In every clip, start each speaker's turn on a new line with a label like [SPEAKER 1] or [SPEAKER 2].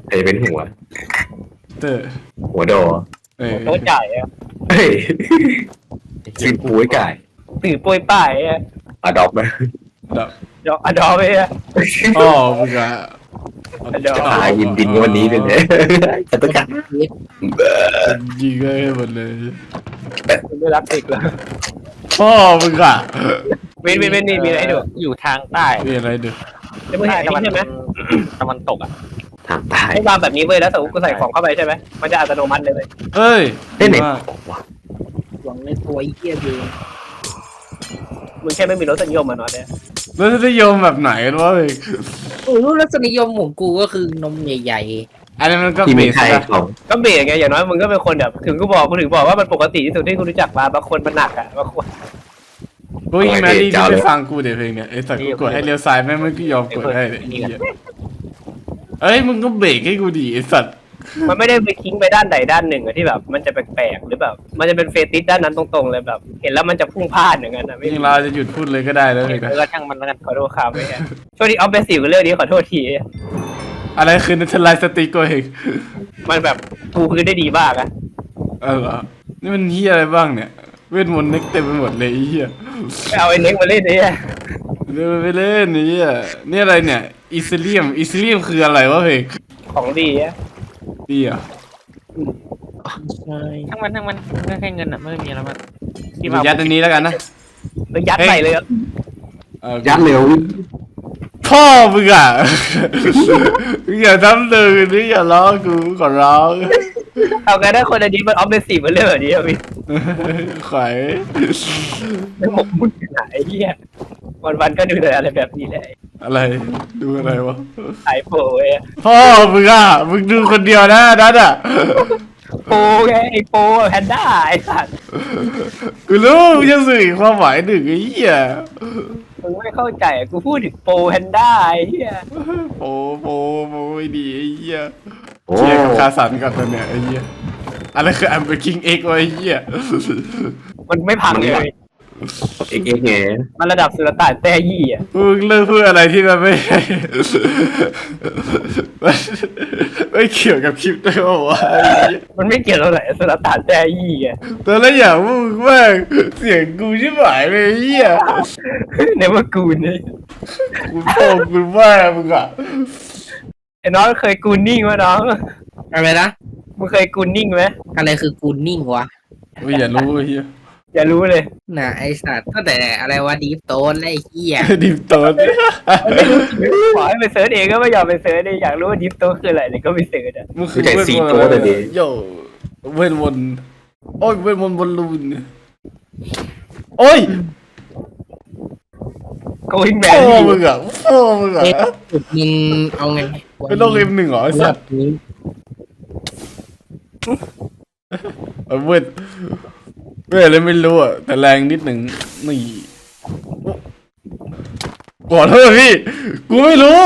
[SPEAKER 1] ใครเป็นหัว
[SPEAKER 2] เตอร์
[SPEAKER 1] หัวโด
[SPEAKER 3] โต๊ะจ่ายอ่ะ
[SPEAKER 1] เฮ้ยซื้อปุ้ยไก่
[SPEAKER 3] ตื่นป่วยป่ายอ่ะ
[SPEAKER 1] อะดอปไหม
[SPEAKER 2] ดับ
[SPEAKER 3] ดอกอะดอไปอ่ะ
[SPEAKER 2] อ๋อมึงอะ
[SPEAKER 3] เดี๋ยว
[SPEAKER 1] ตายยินดินวันนี้เป็นไงจะต้องการ
[SPEAKER 2] ยิงเลยหมดเลย
[SPEAKER 3] ไม่รักติดแล้ว
[SPEAKER 2] พ่อมึงอะ
[SPEAKER 3] เว้นนี่มีอะไรให้ดูอยู่ทางใต้
[SPEAKER 2] มีอะไรดู
[SPEAKER 3] จะมึงเห็นนี่ใช่ไหมตะวันตกอ่ะ
[SPEAKER 1] ทางตาย
[SPEAKER 3] ให้วางแบบนี้เว้ยแล้วสมมติกูใส่ของเข้าไปใช่ไหมมันจะอัตโนมัติเลย
[SPEAKER 2] เฮ้ย
[SPEAKER 1] ได้ไหน
[SPEAKER 2] มาก
[SPEAKER 1] บอกว่า
[SPEAKER 4] หวังในตัวไอ้เหี้ยเอง
[SPEAKER 3] มึงแค่ไม่มีรสนิยมมาหน่อยเนี่ย
[SPEAKER 2] แล้วจะนิยมแบบไหนกันวะเฮ้ย
[SPEAKER 4] โอ้รู้รสนิยมของกูก็คือนมใหญ่
[SPEAKER 2] อันนี้มันก็
[SPEAKER 1] ที่
[SPEAKER 2] เบ
[SPEAKER 1] มี
[SPEAKER 2] ส
[SPEAKER 1] ใคร
[SPEAKER 2] นะ
[SPEAKER 1] ของ
[SPEAKER 3] ก็เบรกไงอย่างน้อยมึงก็เป็นคนแบบถึงกูบอกว่ามันปกติที่สุดที่กูรู้จักมาบางคนมันหนักอ่ะบางคน
[SPEAKER 2] กูยิงแมรี่ที่ไปฟังกูเดี๋ยวเพลงเนี่ยไอ้สัตว์กูกดให้เลี้ยวซ้ายแม่งไม่ยอมกดให้เลยไอ้เหี้ยเอ้ยมึงก็เบรกให้กูดิไอ้สัตว์
[SPEAKER 3] มันไม่ได้ไปทิ้งไปด้านใดด้านหนึ่งอะที่แบบ มันจะแปลกๆหรือแบบมันจะเป็นเฟติสด้านนั้นตรงๆเลยแบบ เห็นแล้วมันจะพุ่งพลาดอย่างนั้นนะไม่
[SPEAKER 2] ยิงเราจะหยุดพูดเลยก็ได้แล้วเลยนะ
[SPEAKER 3] ก็ช่างมันแล้วกันขอโทษครับไม่ใช่ช่วงนี้ออฟเบสิวกับเรื่องนี้ขอโทษที
[SPEAKER 2] อะไรคือนัทไลสติกโกเฮก
[SPEAKER 3] มันแบบปูพื้นได้ดีมากอะ
[SPEAKER 2] เหรอนี่มันเฮียอะไรบ้างเนี่ยเวทมนต์เน็กเต็มไปหมดเลยไอ้เฮีย
[SPEAKER 3] ไปเอาไอ้เน็กมาเล่นเนี่ย
[SPEAKER 2] เล่นไปเล่นนี่อ่ะนี่อะไรเนี่ยอิซิเลียมคืออะไรวะเพลง
[SPEAKER 3] ของดีอะ
[SPEAKER 2] ดีอ่ะ
[SPEAKER 4] ๆใช่
[SPEAKER 3] ทั้งมันไม่แค่เงินอะไม่มีแล้วมัน
[SPEAKER 2] ยัดอันนี้แล้วกันนะ
[SPEAKER 3] แล้วยัดใส่เลยอะ
[SPEAKER 1] ยัดเร็ว
[SPEAKER 2] พ่อมึงอ่ะ มึงอย่าทำเลยนี่อย่าล้อกูขอร้อง
[SPEAKER 3] เอากันได้คนอันนี้มันออฟเบสิวมันเรื่องแบบนี้อะพี่
[SPEAKER 2] ขวาย
[SPEAKER 3] มันหมกมุ่นหายเหี้ยวันๆก็ดูแต่อะไรแบบนี้แหละ
[SPEAKER 2] อะไรดูอะไรวะ
[SPEAKER 3] สายโปรเว้ย
[SPEAKER 2] พ่อมึงอ่ะมึงดูคนเดียวนะนัดอ่ะ
[SPEAKER 3] โปรไงไอโปรแพนด้าไอสัตว์
[SPEAKER 2] กูรู้มึงจะสื่ออีกความหมายหนึ่งไอ้เหี้ย
[SPEAKER 3] มึงไม่เข้าใจอะกูพูดถึงโปรแพนด้าไอ้เหี้ย
[SPEAKER 2] โปไม่ดีไอ้เหี้ย
[SPEAKER 1] โอ้
[SPEAKER 2] เชียร์กับคาสันก่อนตอนเนี้ยไอ้เหี้ยอะไรคืออัมเบอร์คิงเอ็กวะไอ้เหี้ย
[SPEAKER 3] มันไม่พังเลย
[SPEAKER 1] เอ็กเอ็กไง
[SPEAKER 3] มันระดับสุลต่านแต้ยี่อ่ะ
[SPEAKER 2] มึงเลิกพูดอะไรที่มันไม่ ไม่เกี่ยวกับคลิปด้วยวะไอ้เหี้ย
[SPEAKER 3] มันไม่เกี่ยวเท่าไหร่สุลต่านแต้ยี่อ่ะ
[SPEAKER 2] ตอนแรกอยากพูดว่าเสียงกูชิบหายเลยไอ้เหี้ย
[SPEAKER 3] ในว่ากูนี่
[SPEAKER 2] กูโป่งกูว่ามึงอ่ะ
[SPEAKER 3] ไอ้น้องเคยกูนิ่งไหมน้อง
[SPEAKER 4] อะไรนะ
[SPEAKER 3] มึงเคยกูนิ่งไหม
[SPEAKER 4] อะไรคือกูนิ่งวะ
[SPEAKER 2] ไม่อย่ารู้ไอ้เหี้ย
[SPEAKER 3] อย่ารู้เลย
[SPEAKER 4] น่ะไอสัตว์ตั้งแต่อะไรวะดีฟโตนและไอ้เหี้ย
[SPEAKER 2] ดิมตอน
[SPEAKER 3] ขอให้ไปเสิร์ชเองก็ไม่ยอมไปเสิร์ชเลยอยากรู้ว่าดิฟโตคืออะไรเลยก็ไปเสิร์ชอ่ะ
[SPEAKER 2] มึงคือเวทมนต์อะไรโย่เวทมนต์โอ้ยเวทมนต์บอลลูนโอ้ย
[SPEAKER 3] โกอิงแม
[SPEAKER 2] โอ้
[SPEAKER 3] น
[SPEAKER 2] มึงอ่ะโอ้มึงอ่ะ
[SPEAKER 4] เอ๊ะมึงเอาไง
[SPEAKER 2] เป็นโลกM1เหรอไอ้สัตว์
[SPEAKER 4] นี้
[SPEAKER 2] เวทอะไรไม่รู้อ่ะแต่แรงนิดหนึ่งนี่ขอโทษพี่กูไม่รู้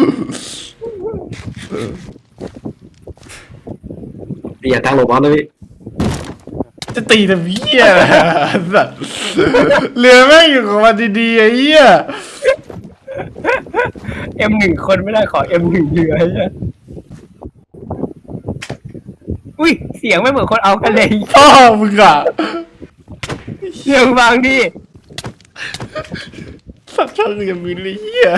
[SPEAKER 1] อย่าตั้งโลบอลนะพี่
[SPEAKER 2] จะตีแต่เหี้ยสัตว์เรือแม่งอยู่ของมันดีๆไอ้เหี้ย
[SPEAKER 3] M1คนไม่ได้ขอ M1เรือไอ้เหี้ยอุ้ยเสียงไม่เหมือนคนเอากันเลย
[SPEAKER 2] พ่อมึงอ่ะ
[SPEAKER 3] เสียงบางดิ
[SPEAKER 2] สัตว์ช่างยังมีเลยเหี้ย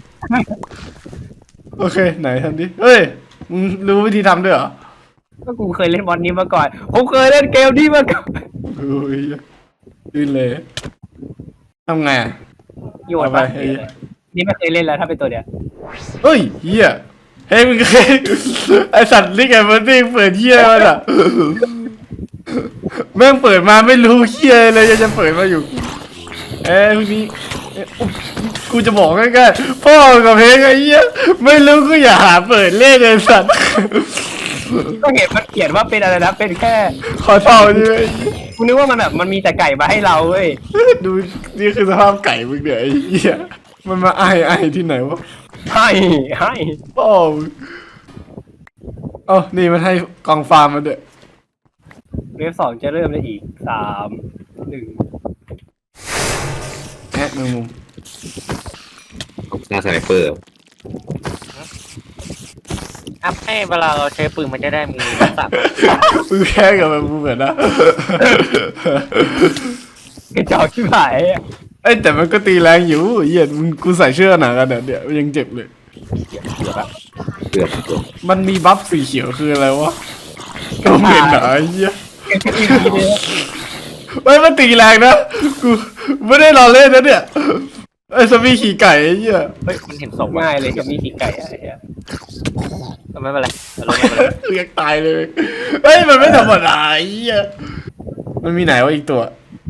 [SPEAKER 2] โอเคไหนทำดิเฮ้ยมึงรู้วิธีทำด้วยเหรอ
[SPEAKER 3] ก็กูเคยเล่นบอลนี้มาก่อนผมเคยเล่นเกมนี้มาก่อน
[SPEAKER 2] โอ้ยยื่นเลยทำไงอ่ะ
[SPEAKER 3] โยน
[SPEAKER 2] เอา
[SPEAKER 3] ไป
[SPEAKER 2] ไป
[SPEAKER 3] นี่ไม่เคยเล่นแล้วถ้าเป็นตัวเนี้ย
[SPEAKER 2] เฮ้ยเหี้ยเฮ้ยมึงเคยไอสัตว์ลิกไอ้มันนี่เปิดเหี้ยมันอ่ะแม่งเปิดมาไม่รู้เหี้ยเลยจะเปิดมาอยู่พวกนี้กูจะบอกง่ายๆพ่อกับเพลงไอ้เหี้ยไม่รู้กูอย่าหาเปิดเล่นเลยสัตว์
[SPEAKER 3] ก็เห็นมันเขียนว่าเป็นอะไรนะเป็นแค่
[SPEAKER 2] ขอเท่าใช่ไหม
[SPEAKER 3] กูนึกว่ามันแบบมันมีแต่ไก่มาให้เราเว้ย
[SPEAKER 2] ดูนี่คือสภาพไก่มึงเนี่ยไอ้เหี้ยมันมาไอที่ไหนวะ
[SPEAKER 3] ให้
[SPEAKER 2] พ่อมึงเอ้านี่มันให้กองฟาร์มมาด้วย
[SPEAKER 3] เวฟ2จะเริ่มได้อีก3 1
[SPEAKER 2] แอะแมงมุม
[SPEAKER 1] หน้าสไนเปอร์
[SPEAKER 5] อัพให้เวลาเราใช้ปืนมันจะได้มีทักษะ
[SPEAKER 2] มึงแค่กับมึงเหมือนนะ
[SPEAKER 3] กระจอกที่หายอะ
[SPEAKER 2] เอ้ยแต่มันก็ตีแรงอยู่เหี้ยมึงกูใส่เสื้อหนังกันเนี่ยยังเจ็บเลย
[SPEAKER 1] เกือบ
[SPEAKER 2] มันมีบัฟสีเขียวคืออะไรวะก็เห็นเหรอไอ้เหี้ยเฮ้ยมันตีแรงนะกูไม่ได้รอเล่นนะเนี่ยไอ้สมีขี่ไก่ไอ้เหี้ย
[SPEAKER 5] เฮ้ยมันเห็นศพว่ะ
[SPEAKER 3] ง่ายเลยจะมีสีไก่อะไอ้เหี้ย
[SPEAKER 5] ไม่เป็นไรไม่เป็นไร
[SPEAKER 2] เรียกตายเลยเฮ้ยมันไม่ธรรมดาไอ้เหี้ยมันมีไหนวะอีกตัว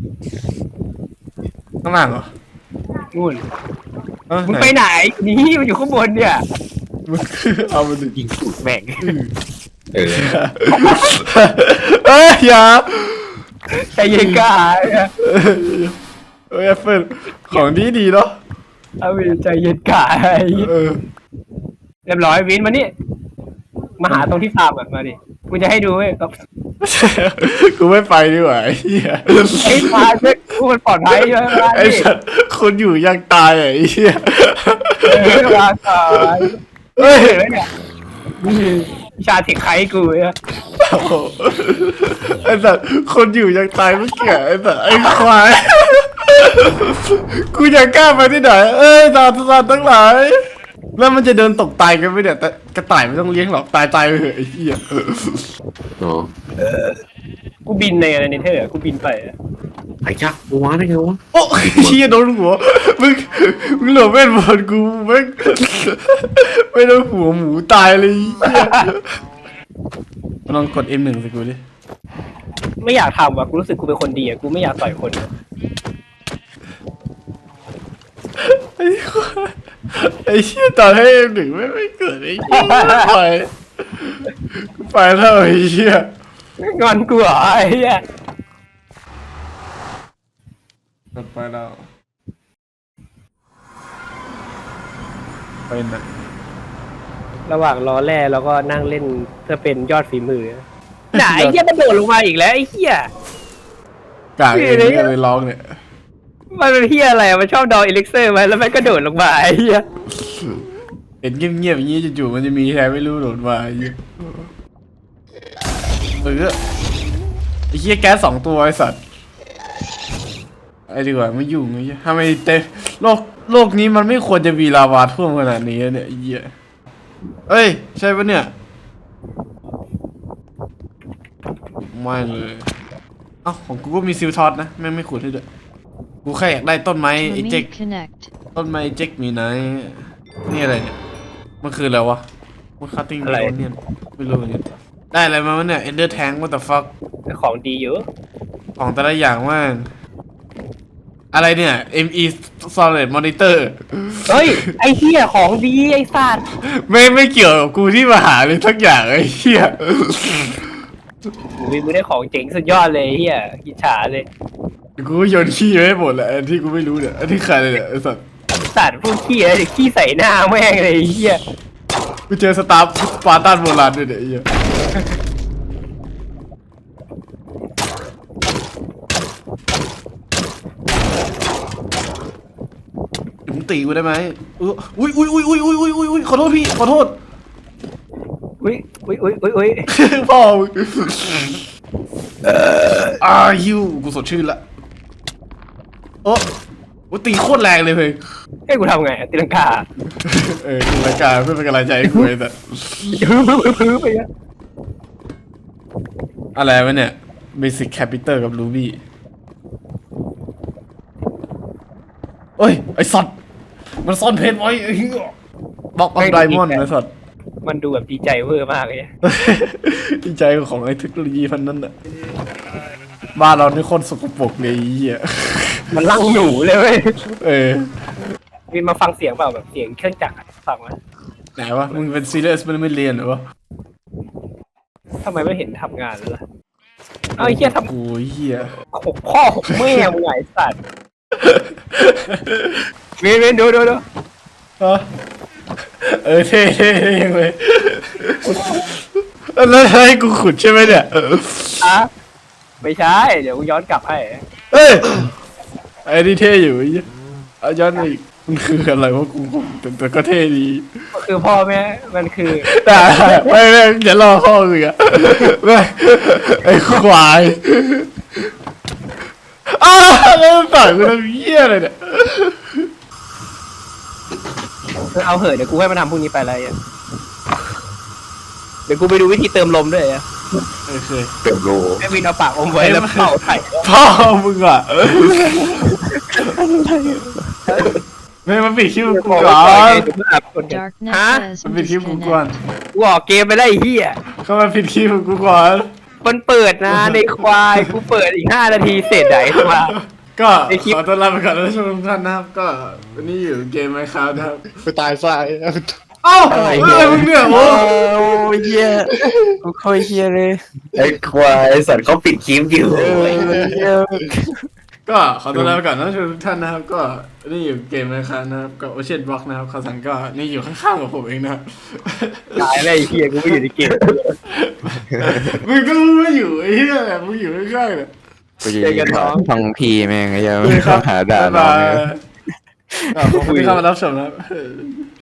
[SPEAKER 2] ข้างล่างเหรอ
[SPEAKER 3] นู่น
[SPEAKER 2] เอ้า
[SPEAKER 3] มึงไปไหนนี่มันอยู่ข้างบนเนี่ย
[SPEAKER 2] มึงเอามันดิ
[SPEAKER 5] ยิงสูดแม่ง
[SPEAKER 1] เออ
[SPEAKER 2] เอ้ยอย่า
[SPEAKER 3] ใจเย็นกาเนี่ย
[SPEAKER 2] เอ้ยแอปเปิลของดีเนาะ
[SPEAKER 3] เอาวินใจเย็นกาไอ้เหี้ย
[SPEAKER 2] เออ
[SPEAKER 3] เรียบร้อยวินมานี่มาหาตรงที่ฟาร์มก่อนมาดิกูจะให้ดูเว้ยครับ
[SPEAKER 2] กูไม่ไปดีกว่าไอ้เหี้ย
[SPEAKER 3] ไอ้ฟาร์มเนี่ยกูมันปลอดภัยใช่ไหม
[SPEAKER 2] ไอ้สัตว์คนอยู่ยังตายอ่ะไอ้เหี้ย
[SPEAKER 3] วางก่อน
[SPEAKER 2] เฮ้ย
[SPEAKER 3] เห็นไหมเนี่ยนี่วิชาเทคไคกูเนี่ย
[SPEAKER 2] โอ้โหไอ้สัตว์คนอยู่ยังตายเมื่อกี้ไอ้สัตว์ไอ้ควายกูอยากกล้าไปที่ไหนเอ้ยสัตว์ทั้งหลายแล้วมันจะเดินตกตายกันไหมเนี่ยแต่กระต่ายไม่ต้องเลี้ยงหรอกตายไปเถอะไอ้เหี้ย
[SPEAKER 1] อ๋อ
[SPEAKER 3] กูบินในอะไรในเธอกูบินไปอะ
[SPEAKER 1] ไอ้จ้ากูว้าได้ไงวะ
[SPEAKER 2] โอ้เหี้ยโดนหัวมึงเหลือเวทมนต์กูไม่โดนหัวหมูตายเลยเหี้ยลองกด M1 สิกูดิ
[SPEAKER 3] ไม่อยากทำว่ะกูรู้สึกกูเป็นคนดีอะกูไม่อยากต่อยคนอะ
[SPEAKER 2] ไอ้เชี่ยตอนให้ M1 ไม่เกิดไอ้เหี้ยไปแล้วไอ้เชี่ย
[SPEAKER 3] งอนกูเหรอไอ้เหี้ย
[SPEAKER 2] ไปแล้วไปนะ
[SPEAKER 3] ระหว่างรอแร่แล้วก็นั่งเล่นเพื่อเป็นยอดฝีมือไหนไอ้เหี้ยมันโดดลงมาอีกแล้วไอ้เหี้ย
[SPEAKER 2] กากเองเนี่ยเลยร้องเนี่ย
[SPEAKER 3] มันเป็นเหี้ยอะไรอะมันชอบดอเอลิกเซอร์ไหมแล้วมันก็โดดลงมาไอ้เหี้ย
[SPEAKER 2] เห็นเงียบๆอย่างนี้จู่ๆมันจะมีแทนไม่รู้โดดมาไอ้เหี้ยไอ้เหี้ยแก๊ส2 ตัวไอ้สัตว์ไอ้ดีกว่าไม่ยุ่งไอ้เหี้ยทำไมโลกนี้มันไม่ควรจะมีลาวาท่วมขนาดนี้เนี่ยไอ้เหี้ยเอ้ยใช่ปะเนี่ยไม่เลยเอ้าของกูก็มีซิลทอสนะแม่งไม่ขุดให้ด้วยกูแค่อยากได้ต้นไม้ไอ้เจ๊ก
[SPEAKER 6] Remain connect.
[SPEAKER 2] ต้นไม้เจ๊กมีไหนนี่อะไรเนี่ยมันคืออะไรวะมันคัตติ้งเนี่ยไม่รู้เหมือนกันได้อะไรมาวะเนี่ยเอนเดอร์แทงwhat the fuck
[SPEAKER 3] ของดีอยู่
[SPEAKER 2] ของแต่ละอย่างว่างอะไรเนี่ย ME Solid Monitor
[SPEAKER 3] เฮ้ยไอ้เหี้ยของดีไอ้สัตว์
[SPEAKER 2] ไม่เกี่ยวกับกูที่มาหาเลยทักอย่างไอ้เหี้ย
[SPEAKER 3] มึงได้ของเจ๋งสุดยอดเลยไอ้เหี้ยอิจฉาเลย
[SPEAKER 2] กูโยนขี้ไว้ให้หมดแหละอันที่กูไม่รู้เนี่ยอันที่ใครเลยเนี่ยไอ้สัตว์
[SPEAKER 3] สัตว์พวกขี้อะไรขี้ใส่หน้าแม่งเลยไอ้เหี้ย
[SPEAKER 2] กูเจอสปาร์ตันโบราณด้วยเนี่ยไอ้เหี้ยมึงตีกูได้ไหมอุ้ยขอโทษพี่ขอโทษ
[SPEAKER 3] อุ้ย
[SPEAKER 2] พ่อมึงฮิวกูสดชื่นละโอ้ตีโคตรแรงเลยเพ่ง
[SPEAKER 3] ให้กูทำไงตีลังกา
[SPEAKER 2] ดูรายการเพื่อเป็นกำลังใจให้กูไอ้แต่
[SPEAKER 3] พื้นไปอะ
[SPEAKER 2] อะไรวะเนี่ย Basic Capital กับ Ruby โอ้ยไอ้สัตว์มันซ่อนเพชรไว้ไอ้เหี้ยบล็อกออฟไดมอนด์ไอ้สัตว์
[SPEAKER 3] มันดูแบบดีใจเวอร์มากเลย
[SPEAKER 2] ดีใจของไอ้เทคโนโลยีพันนั้นน่ะบ้านเรานี่คนสกปรกเลยไอ้เหี้ย
[SPEAKER 3] มันลั่งหนูเลยเว้ย
[SPEAKER 2] วิน
[SPEAKER 3] มาฟังเสียงเปล่าแบบเสียงเครื่องจักรฟังไหม
[SPEAKER 2] ไหนวะมึงเป็นซีเรียสมันไม่เรียนเหรอวะ
[SPEAKER 3] ทำไมไม่เห็นทำงานเลยล่ะเอาไอ้เหี้ยทำ
[SPEAKER 2] โอ้ยเหี้ย
[SPEAKER 3] หกพ่อหกแม่มึงไงไอ้สัตว์เวนดู
[SPEAKER 2] ฮะเท่ยังเลยแล้วให้กูขุดใช่ไหมเนี่ย
[SPEAKER 3] อะไม่ใช่เดี๋ยวกูย้อนกลับให้
[SPEAKER 2] เอ้ยไอ้นี่เท่อยู่ไอ้เหี้ยเอาย้อนมาอีกมันคืออะไรวะกูแต่ก็เท่ดี
[SPEAKER 3] คือพ่อแม่มันคือ
[SPEAKER 2] ได้ไม่อย่ารอพ่อเลยอะไม่ไอ้ควายอ้าวแล้วมันต่อยกูทำเหี้ยอะไรเนี่ย
[SPEAKER 3] เอาเหอะเดี๋ยวกูให้มันทำพวกนี้ไปอะไรอ่ะเดี๋ยวกูไปดูวิธีเติมลมด้วยอ่ะ
[SPEAKER 2] โอเค
[SPEAKER 1] เติมโล
[SPEAKER 3] ให้วินเอาปากอมไว้แล้วเป่าไถ่
[SPEAKER 2] พ่อมึงอ่ะไม่มาปิดคิวกูก่อน
[SPEAKER 6] Darkness
[SPEAKER 3] Huh?
[SPEAKER 6] has
[SPEAKER 2] มันปิดคิวกูก่อน
[SPEAKER 6] disconnected.
[SPEAKER 3] กูออกเกมไปได้ไอ้เหี้ย
[SPEAKER 2] เข้ามาปิดคิวกูก่อน
[SPEAKER 3] มันเปิดนะในควายกูเปิดอีก5 นาทีเสร็จไหนมา
[SPEAKER 2] ก็
[SPEAKER 3] ไอ้คลิป
[SPEAKER 2] ขอต้อนรับไปก่อนนะทุกท่านนะครับก็วันนี้อยู่เกมไมค์ครับนะครับ
[SPEAKER 7] ไปตายซะ
[SPEAKER 2] เอ้าอะไรมึงเนี่ยโอ้
[SPEAKER 5] ยเฮียกูค่อยเฮียเลย
[SPEAKER 1] ไอ้ควายสัตว์เขาปิดคลิปอยู่
[SPEAKER 2] ก็ขอต้อนรับไปก่อนนะทุกท่านนะครับก็นี่อยู่เกมไมค์ครับนะครับก็โอเชียนบล็อกนะครับเขาสั่งก็นี่อยู่ข้างๆกับผมเองนะครับ
[SPEAKER 3] ตายแล้วไอ้เหี้ยกูไม่อยู่ในเกม
[SPEAKER 2] มึงก็ไม่อยู่ไอ้เหี้ยมึงอยู่ข้างๆเนี่ย
[SPEAKER 3] เจอกันน้อง
[SPEAKER 7] ฟังพีแม่งไอ้เหี้ย
[SPEAKER 2] ครับ
[SPEAKER 7] หาด่า
[SPEAKER 2] บ๊าย
[SPEAKER 7] น้อง
[SPEAKER 2] บาย
[SPEAKER 7] เนี่ย
[SPEAKER 2] ขอบคุณที่เข้ามารับชมนะครับ